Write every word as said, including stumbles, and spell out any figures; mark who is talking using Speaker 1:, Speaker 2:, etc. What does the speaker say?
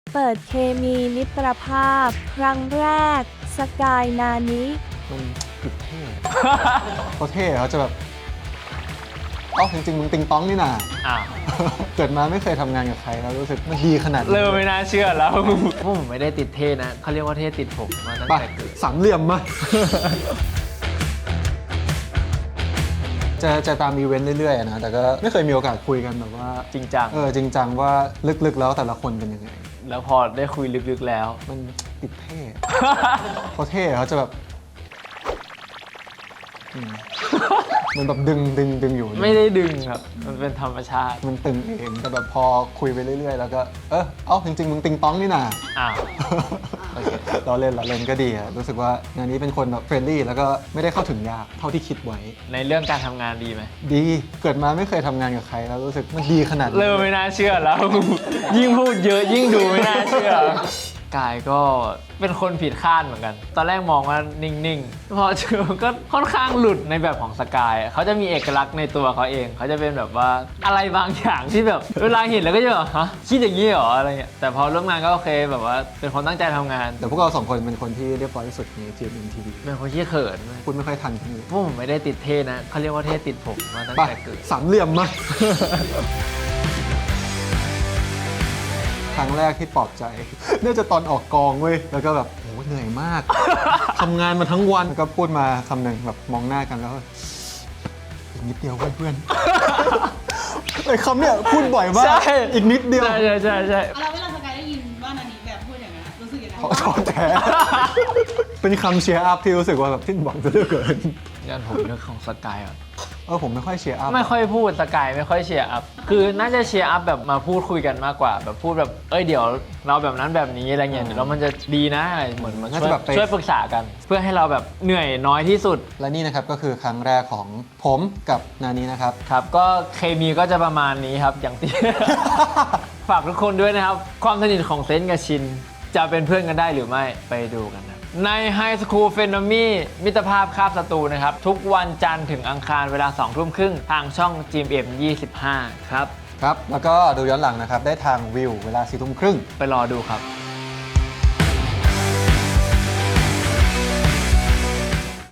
Speaker 1: เปิดเคมีมิตรภาพ ครั้งแรก สกายนานิ
Speaker 2: มันติดเท่ เขาเท่เขาจะแบบเอ้าจริงๆมึงติงต้องนี่นา
Speaker 3: อ้าว
Speaker 2: เกิดมาไม่เคยทำงานกับใครแล้วรู้สึกมันดีขนาดนี้
Speaker 3: เริ่มไม่น่าเชื่อแล้วพวกผมไม่ได้ติดเท่นะเขาเรียกว่าเท่ติดผมมาตั้ง
Speaker 2: ไป
Speaker 3: แต่เกิด
Speaker 2: สามเหลี่ยมมา จะจะตามอีเวนต์เรื่อยๆนะแต่ก็ไม่เคยมีโอกาสคุยกันแบบว่า
Speaker 3: จริงจัง
Speaker 2: เออจริงจังว่าลึกๆแล้วแต่ละคนเป็นยังไง
Speaker 3: แล้วพอได้คุยลึกๆแล้ว
Speaker 2: มันติดเท่ เขาเท่เขาจะแบบอืมมันแบบดึงดึงดึงอยู่
Speaker 3: ไม่ได้ดึงครับ มันเป็นธรรมชาติ
Speaker 2: มันตึงเองแต่แบบพอคุยไปเรื่อยๆ แล้วก็เออเอ้าจริงๆมึงติงต้องนี่นา
Speaker 3: อ้าว โอเค
Speaker 2: เราเล่นเราเล่นก็ดีอะรู้สึกว่างานนี้เป็นคนแบบเฟรนลี่แล้วก็ไม่ได้เข้าถึงยากเท่าที่คิดไว้
Speaker 3: ในเรื่องการทำงานดีไหม
Speaker 2: ดีเกิดมาไม่เคยทำงานกับใครแล้วรู้สึกมันดีขนาดนี้
Speaker 3: เริ่มไม่น่าเชื่อแล้ว ยิ่งพูดเยอะยิ่งดูไม่น่าเชื่อกายก็เป็นคนผิดคาดเหมือนกัน ตอนแรกมองว่านิ่งๆ พอเจอก็ค่อนข้างหลุดในแบบของสกายเขาจะมีเอกลักษณ์ในตัวเขาเอง เขาจะเป็นแบบว่าอะไรบางอย่างที่แบบเวลาเห็นแล้วก็จะแบบฮะคิดอย่างนี้เหรออะไรเงี้ยแต่พอร่วมงานก็โอเคแบบว่าเป็นคนตั้งใจทำงาน
Speaker 2: แต่พวกเราสองคนเป็นคนที่เรียบร้อยที่สุดใน จี เอ็ม เอ็ม ที วี
Speaker 3: เป็นคนที่เขินด้วย
Speaker 2: พูดไม่ค่อยทันคนอื่น
Speaker 3: พวกผมไม่ได้ติดเท่นะเขาเรียกว่าเท่ติดผมมาตั้ง
Speaker 2: ไป
Speaker 3: แต่เกิด
Speaker 2: สามเหลี่ยมมา ครั้งแรกที่ปลอบใจ น่าจะตอนออกกองเว้ยแล้วก็แบบโหเหนื่อยมาก ทำงานมาทั้งวันแล้วก็พูดมาคำหนึ่งแบบมองหน้ากันแล้วก็อีกนิดเดียวเพื่อนๆ ไอ้คำเนี้ยพูดบ่อยมาก
Speaker 3: ใช่
Speaker 2: อีกนิดเดียว
Speaker 3: ใช่ใช่ใช่ใช่
Speaker 4: แล้วเวลาสกายได้ยินว่านานี้แบบพูดอย่างนั้นรู้สึกยังไง
Speaker 2: ขอโทษแท้ เป็นคำเชียร์อัพที่รู้สึกว่าแบบสิ้นหวังจะเหลือเกิน
Speaker 3: งานผมเรื่องของสกายอ่ะ
Speaker 2: เออผมไม่ค่อยเชียร์อัพ
Speaker 3: ไม่ค่อยพูดสกายไม่ค่อยเชียร์อัพคือน่าจะเชียร์อัพแบบมาพูดคุยกันมากกว่า แบบพูดแบบเอ้ยเดี๋ยวเราแบบนั้นแบบนี้อะไรเงี้ยเดี๋ยวแล้วมันจะดีนะอะไรเหมือนมันช่วยช่วยปรึกษากัน เพื่อให้เราแบบเหนื่อยน้อยที่สุด
Speaker 2: และนี่นะครับก็คือครั้งแรกของผมกับนานี้นะครับ
Speaker 3: ครับก็เคมีก็จะประมาณนี้ครับอย่างที่ ฝากทุกคนด้วยนะครับ ความสนิทของเซนต์กับชิน จะเป็นเพื่อนกันได้หรือไม่ไปดูกันนะใน High School p h e n o m y มิตรภาพคาบศัตรูนะครับ ทุกวันจันทร์ถึงอังคารเวลาสองทุ่มครึ่งทางช่อง จี เอ็ม เอ็ม ยี่สิบห้า ครับ
Speaker 2: ครับ แล้วก็ดูย้อนหลังนะครับ ได้ทางวิวเวลาสี่ทุ่มครึ่ง
Speaker 3: ไปรอดูครับ
Speaker 2: ค